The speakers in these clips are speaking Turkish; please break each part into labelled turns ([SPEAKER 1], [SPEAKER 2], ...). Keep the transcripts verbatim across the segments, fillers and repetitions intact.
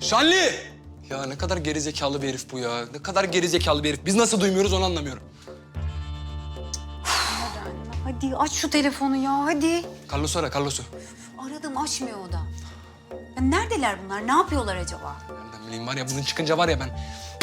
[SPEAKER 1] Şanlı! Ya ne kadar gerizekalı bir herif bu ya. Ne kadar gerizekalı bir herif. Biz nasıl duymuyoruz onu anlamıyorum.
[SPEAKER 2] Hadi aç şu telefonu ya, hadi.
[SPEAKER 1] Carlos'u ara, Carlos'u.
[SPEAKER 2] Aradım, açmıyor o da. Ya neredeler bunlar? Ne yapıyorlar acaba?
[SPEAKER 1] Nereden bileyim var ya, bunun çıkınca var ya ben...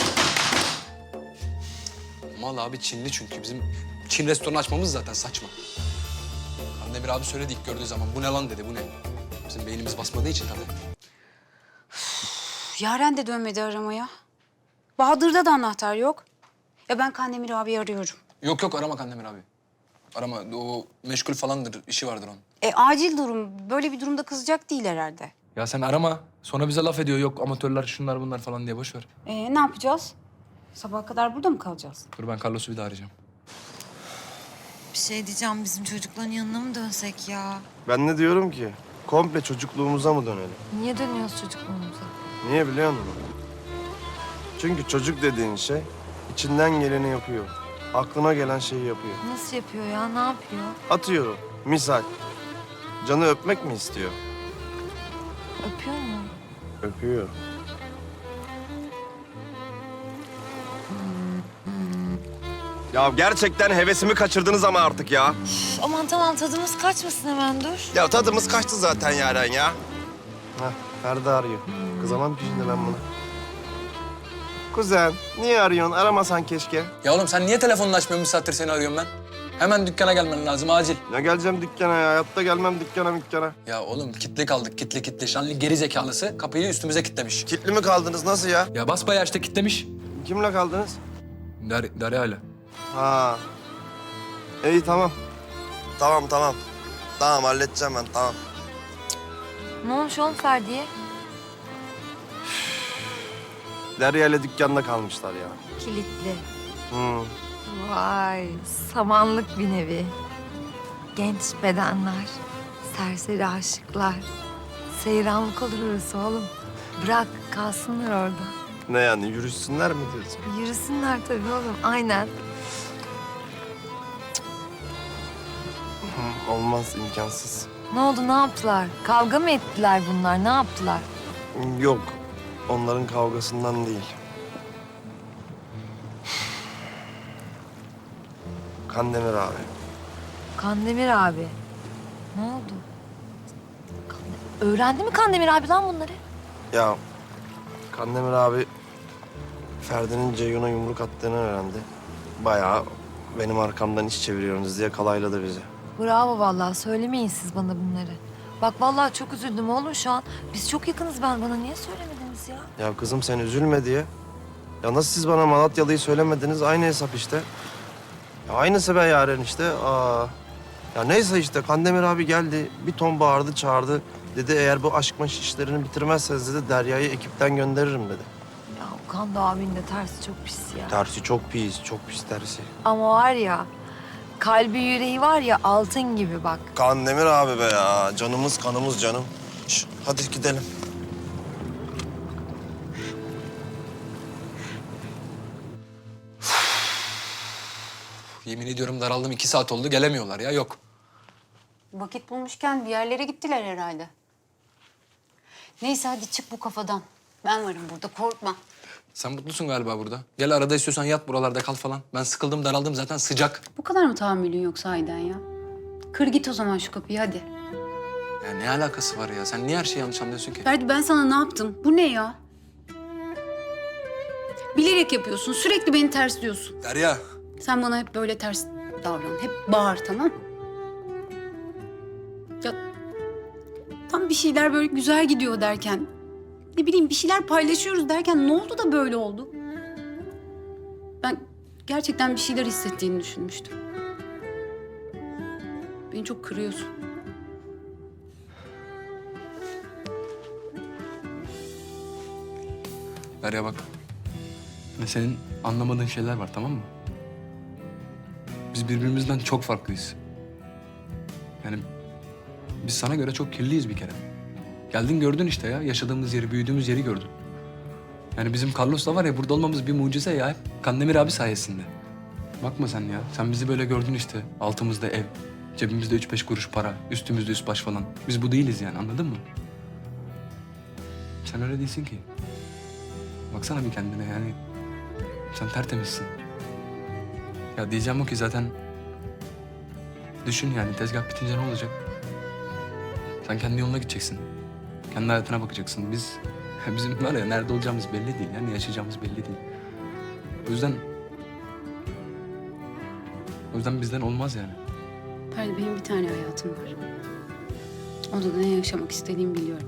[SPEAKER 1] Mal abi Çinli çünkü. Bizim Çin restoranı açmamız zaten saçma. Kandemir abi söyledi ilk gördüğü zaman. Bu ne lan dedi, bu ne? Bizim beynimiz basmadığı için tabii.
[SPEAKER 2] Üf, Yaren de dönmedi aramaya. Bahadır'da da anahtar yok. Ya ben Kandemir abi arıyorum.
[SPEAKER 1] Yok yok, arama Kandemir abi. Arama, o meşgul falandır, işi vardır onun.
[SPEAKER 2] E acil durum. Böyle bir durumda kızacak değil herhalde.
[SPEAKER 1] Ya sen arama. Sonra bize laf ediyor. Yok amatörler şunlar bunlar falan diye, boş ver.
[SPEAKER 2] E ne yapacağız? Sabaha kadar burada mı kalacağız?
[SPEAKER 1] Dur ben Carlos'u bir daha arayacağım.
[SPEAKER 3] Bir şey diyeceğim, bizim çocukların yanına mı dönsek ya?
[SPEAKER 4] Ben ne diyorum ki? Komple çocukluğumuza mı dönelim?
[SPEAKER 3] Niye dönüyoruz çocukluğumuza?
[SPEAKER 4] Niye biliyor musun? Çünkü çocuk dediğin şey içinden geleni yapıyor. Aklına gelen şeyi yapıyor.
[SPEAKER 3] Nasıl yapıyor ya, ne yapıyor?
[SPEAKER 4] Atıyorum. Misal. Canı öpmek mi istiyor?
[SPEAKER 3] Öpüyor mu?
[SPEAKER 4] Öpüyor. Ya gerçekten hevesimi kaçırdınız ama artık ya.
[SPEAKER 3] Üf, aman tamam, tadımız kaçmasın hemen, dur.
[SPEAKER 4] Ya tadımız kaçtı zaten Yaren ya. Hah, Ferdi arıyor. Kızamam ki şimdi ben buna. Kuzen, niye arıyorsun? Aramasan keşke.
[SPEAKER 1] Ya oğlum sen niye telefonunu açmıyorsun? Bir saattir seni arıyorum ben. Hemen dükkana gelmen lazım, acil.
[SPEAKER 4] Ya geleceğim dükkana ya. Hayatta gelmem dükkana dükkana.
[SPEAKER 1] Ya oğlum kitli kaldık, kitli kitli. Şanlı geri zekalısı kapıyı üstümüze kitlemiş.
[SPEAKER 4] Kitli mi kaldınız? Nasıl ya?
[SPEAKER 1] Ya basbayağı işte kitlemiş.
[SPEAKER 4] Kimle kaldınız?
[SPEAKER 1] Dar Derya'yla.
[SPEAKER 4] Ha. İyi tamam. Tamam tamam. Tamam halledeceğim ben tamam.
[SPEAKER 3] Ne olmuş oğlum Ferdi'ye?
[SPEAKER 4] Derya ile dükkanda kalmışlar ya.
[SPEAKER 3] Kilitli.
[SPEAKER 4] Hı.
[SPEAKER 3] Vay, samanlık bir nevi. Genç bedenler, serseri aşıklar. Seyranlık olur orası oğlum. Bırak, kalsınlar orada.
[SPEAKER 4] Ne yani yürüsünler mi diyorsun?
[SPEAKER 3] Yürüsünler tabii oğlum, aynen.
[SPEAKER 4] Hı, olmaz imkansız.
[SPEAKER 3] Ne oldu, ne yaptılar? Kavga mı ettiler bunlar, ne yaptılar?
[SPEAKER 4] Yok. Onların kavgasından değil. Kandemir abi.
[SPEAKER 3] Kandemir abi. Ne oldu? Kande- Öğrendi mi Kandemir abi lan bunları?
[SPEAKER 4] Ya Kandemir abi Ferdi'nin Ceyhun'a yumruk attığını öğrendi. Bayağı benim arkamdan iş çeviriyorsunuz diye kalayladı bizi.
[SPEAKER 3] Bravo vallahi, söylemeyin siz bana bunları. Bak vallahi çok üzüldüm oğlum şu an. Biz çok yakınız, ben bana niye söylemediniz ya?
[SPEAKER 4] Ya kızım sen üzülme diye. Ya nasıl siz bana Malatyalı'yı söylemediniz? Aynı hesap işte. Ya aynısı be Yaren işte. Aa. Ya neyse işte Kandemir abi geldi. Bir ton bağırdı çağırdı. Dedi eğer bu aşk maş işlerini bitirmezseniz dedi Derya'yı ekipten gönderirim dedi.
[SPEAKER 3] Ya Kando abinin de tersi çok pis ya.
[SPEAKER 4] Tersi çok pis, çok pis tersi.
[SPEAKER 3] Ama var ya, kalbi yüreği var ya altın gibi bak.
[SPEAKER 4] Kandemir abi be ya. Canımız kanımız canım. Şş, hadi gidelim.
[SPEAKER 1] Yemin ediyorum daraldım, iki saat oldu gelemiyorlar ya, yok.
[SPEAKER 2] Vakit bulmuşken bir yerlere gittiler herhalde. Neyse hadi çık bu kafadan. Ben varım burada, korkma.
[SPEAKER 1] Sen mutlusun galiba burada. Gel arada istiyorsan yat buralarda kal falan. Ben sıkıldım, daraldım zaten, sıcak.
[SPEAKER 2] Bu kadar mı tahammülün yoksa Aydan ya? Kır git o zaman şu kapıyı hadi.
[SPEAKER 1] Ya ne alakası var ya? Sen niye her şeyi yanlış anlıyorsun ki?
[SPEAKER 2] Ferdi ben sana ne yaptım? Bu ne ya? Bilerek yapıyorsun. Sürekli beni tersliyorsun.
[SPEAKER 1] Derya.
[SPEAKER 2] Sen bana hep böyle ters davran. Hep bağır, tamam? Ya tam bir şeyler böyle güzel gidiyor derken... Ne bileyim bir şeyler paylaşıyoruz derken ne oldu da böyle oldu? Ben gerçekten bir şeyler hissettiğini düşünmüştüm. Beni çok kırıyorsun.
[SPEAKER 1] Derya bak. Ve senin anlamadığın şeyler var, tamam mı? Biz birbirimizden çok farklıyız. Yani biz sana göre çok kirliyiz bir kere. Geldin gördün işte ya, yaşadığımız yeri, büyüdüğümüz yeri gördün. Yani bizim Carlos'la var ya, burada olmamız bir mucize ya. Hep Kandemir abi sayesinde. Bakma sen ya, sen bizi böyle gördün işte. Altımızda ev, cebimizde üç beş kuruş para, üstümüzde üst baş falan. Biz bu değiliz yani, anladın mı? Sen öyle değilsin ki. Baksana bir kendine yani. Sen tertemizsin. Ya diyeceğim o ki zaten... Düşün yani tezgah bitince ne olacak? Sen kendi yoluna gideceksin. Kendi hayatına bakacaksın. Biz... Bizim var ya nerede olacağımız belli değil. Yani yaşayacağımız belli değil. O yüzden... O yüzden bizden olmaz yani.
[SPEAKER 2] Ferdi benim bir tane hayatım var. Onda da ne yaşamak istediğimi biliyorum.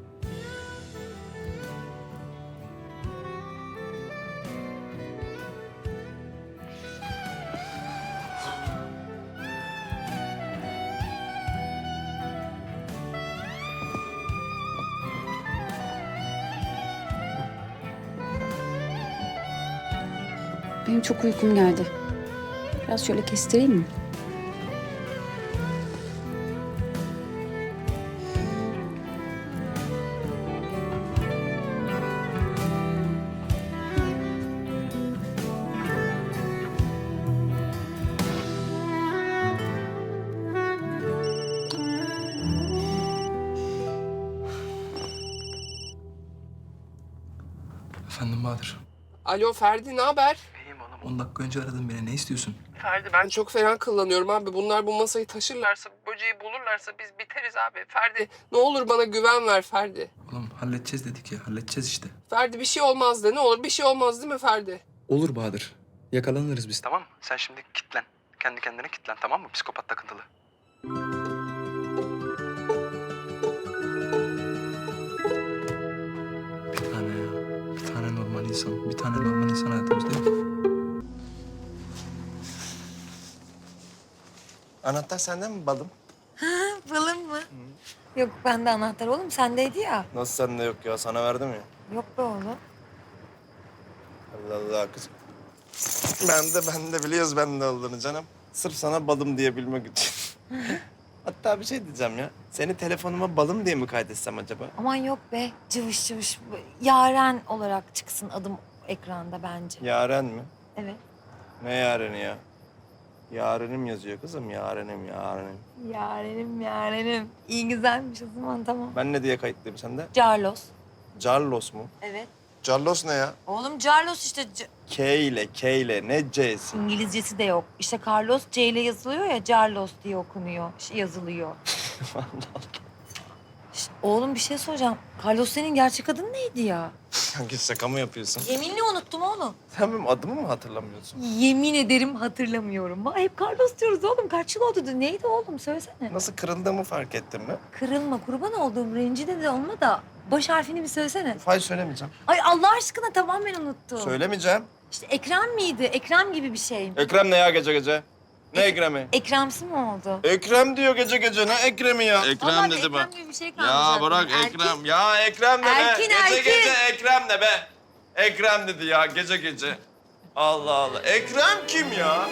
[SPEAKER 2] Benim çok uykum geldi. Biraz şöyle kestireyim mi?
[SPEAKER 1] Efendim Bahadır.
[SPEAKER 5] Alo Ferdi, ne haber?
[SPEAKER 1] İyiyim oğlum. On dakika önce aradın beni. Ne istiyorsun?
[SPEAKER 5] Ferdi ben çok fena kullanıyorum abi. Bunlar bu masayı taşırlarsa, böceği bulurlarsa biz biteriz abi. Ferdi ne olur bana güven ver Ferdi.
[SPEAKER 1] Oğlum halledeceğiz dedik ya. Halledeceğiz işte.
[SPEAKER 5] Ferdi bir şey olmaz de ne olur bir şey olmaz değil mi Ferdi?
[SPEAKER 1] Olur Bahadır. Yakalanırız biz tamam mı? Sen şimdi kitlen. Kendi kendine kitlen tamam mı? Psikopat takıntılı. Bir tane ya. Bir tane normal insan. Bir tane normal insan hayatımızda yok.
[SPEAKER 4] Anahtar sende mi balım?
[SPEAKER 3] Balım mı? Yok bende anahtar oğlum sendeydi ya.
[SPEAKER 4] Nasıl sende yok ya? Sana verdim ya.
[SPEAKER 3] Yok be oğlum.
[SPEAKER 4] Allah Allah kızım. Ben de ben de biliyoruz ben de olduğunu canım. Sırf sana balım diyebilmek için. Hatta bir şey diyeceğim ya. Seni telefonuma balım diye mi kaydetsem acaba?
[SPEAKER 3] Aman yok be cıvış cıvış. Yaren olarak çıksın adım ekranda bence.
[SPEAKER 4] Yaren mi?
[SPEAKER 3] Evet.
[SPEAKER 4] Ne yareni ya? Yarenim yazıyor kızım. Yarenim, yarenim.
[SPEAKER 3] Yarenim yarenim. İyi güzelmiş o zaman tamam.
[SPEAKER 4] Ben ne diye kayıtlıyım sende?
[SPEAKER 3] Carlos.
[SPEAKER 4] Carlos mu?
[SPEAKER 3] Evet.
[SPEAKER 4] Carlos ne ya?
[SPEAKER 3] Oğlum Carlos işte C-
[SPEAKER 4] K ile, K ile. Ne C'si?
[SPEAKER 3] İngilizcesi de yok. İşte Carlos C ile yazılıyor ya Carlos diye okunuyor. Şey yazılıyor. Şş, oğlum bir şey soracağım. Carlos senin gerçek adın neydi ya?
[SPEAKER 4] Kanka şaka mı yapıyorsun?
[SPEAKER 3] Yeminle unuttum oğlum.
[SPEAKER 4] Sen benim adımı mı hatırlamıyorsun?
[SPEAKER 3] Yemin ederim hatırlamıyorum. Ha, hep Carlos diyoruz oğlum. Kaç yıl oldu? Neydi oğlum söylesene.
[SPEAKER 4] Nasıl kırıldığımı fark ettin mi?
[SPEAKER 3] Kırılma kurban olduğum rencide de olma da baş harfini bir söylesene.
[SPEAKER 4] Hayır söylemeyeceğim.
[SPEAKER 3] Ay Allah aşkına tamamen unuttum.
[SPEAKER 4] Söylemeyeceğim.
[SPEAKER 3] İşte Ekrem miydi? Ekrem gibi bir şey.
[SPEAKER 4] Ekrem ne ya gece gece? Ne Ekrem'i?
[SPEAKER 3] Ekremsi mi oldu?
[SPEAKER 4] Ekrem diyor gece gece. Ne Ekrem'i ya? Ekrem
[SPEAKER 3] Vallahi
[SPEAKER 4] dedi
[SPEAKER 3] Ekrem
[SPEAKER 4] bak.
[SPEAKER 3] gibi bir şey kalmış.
[SPEAKER 4] Ya bırak
[SPEAKER 3] aklımda. Erkek-
[SPEAKER 4] Ekrem. Ya Ekrem ne be?
[SPEAKER 3] Erkin,
[SPEAKER 4] Gece
[SPEAKER 3] Erkin.
[SPEAKER 4] gece Ekrem ne be? Ekrem dedi ya gece gece. Allah Allah. Ekrem kim ya?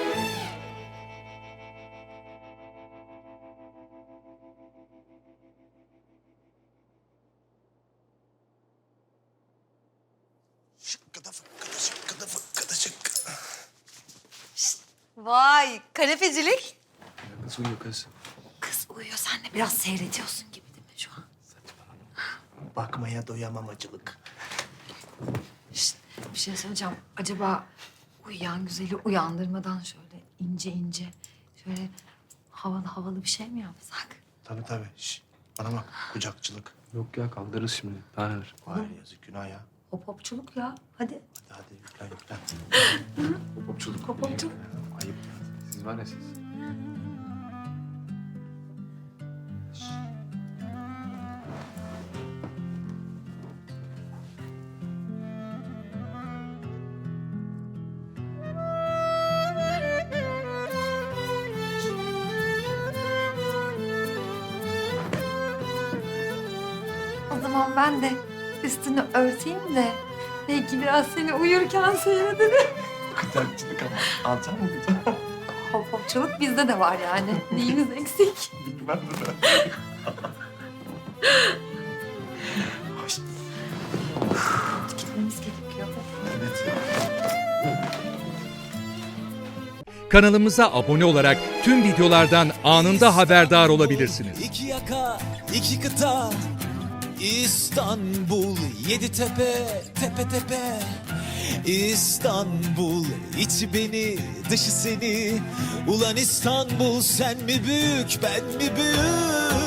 [SPEAKER 4] Şıkkıda fıkkıda şıkkıda fıkkıda şıkkı.
[SPEAKER 3] Vay kanepecilik.
[SPEAKER 1] Kız uyuyor kız.
[SPEAKER 3] Kız uyuyor sen de biraz seyrediyorsun gibi değil mi şu an?
[SPEAKER 4] Bakmaya doyamamacılık.
[SPEAKER 3] Şişt, bir şey söyleyeceğim. Acaba uyuyan güzeli uyandırmadan şöyle ince ince şöyle havalı havalı bir şey mi yapsak?
[SPEAKER 4] Tabii tabii. Şş, bana bak kucakçılık.
[SPEAKER 1] Yok ya kaldırırız şimdi. Daha neler.
[SPEAKER 4] Vay yazık günah ya.
[SPEAKER 3] Hop hopçuluk ya. Hadi.
[SPEAKER 4] Hadi hadi yüklen yüklen.
[SPEAKER 1] Popçuluk.
[SPEAKER 3] Hop hopçuluk.
[SPEAKER 4] Ayıp.
[SPEAKER 1] Siz var ya siz.
[SPEAKER 3] O zaman ben de üstünü örteyim de belki biraz seni uyurken seyrederim.
[SPEAKER 4] Kucakçılık ama. Alacak mı kucağı?
[SPEAKER 3] Hop hopçuluk bizde de var yani. Neyimiz eksik?
[SPEAKER 4] Bilmem de ben. Hoş.
[SPEAKER 3] Gitmemiz gerekiyor.
[SPEAKER 4] Evet.
[SPEAKER 6] Kanalımıza abone olarak tüm videolardan anında haberdar olabilirsiniz.
[SPEAKER 7] İki yaka, iki kıta, İstanbul, yedi tepe, tepe tepe. İstanbul, içi beni, dışı seni. Ulan İstanbul, sen mi büyük, ben mi büyük?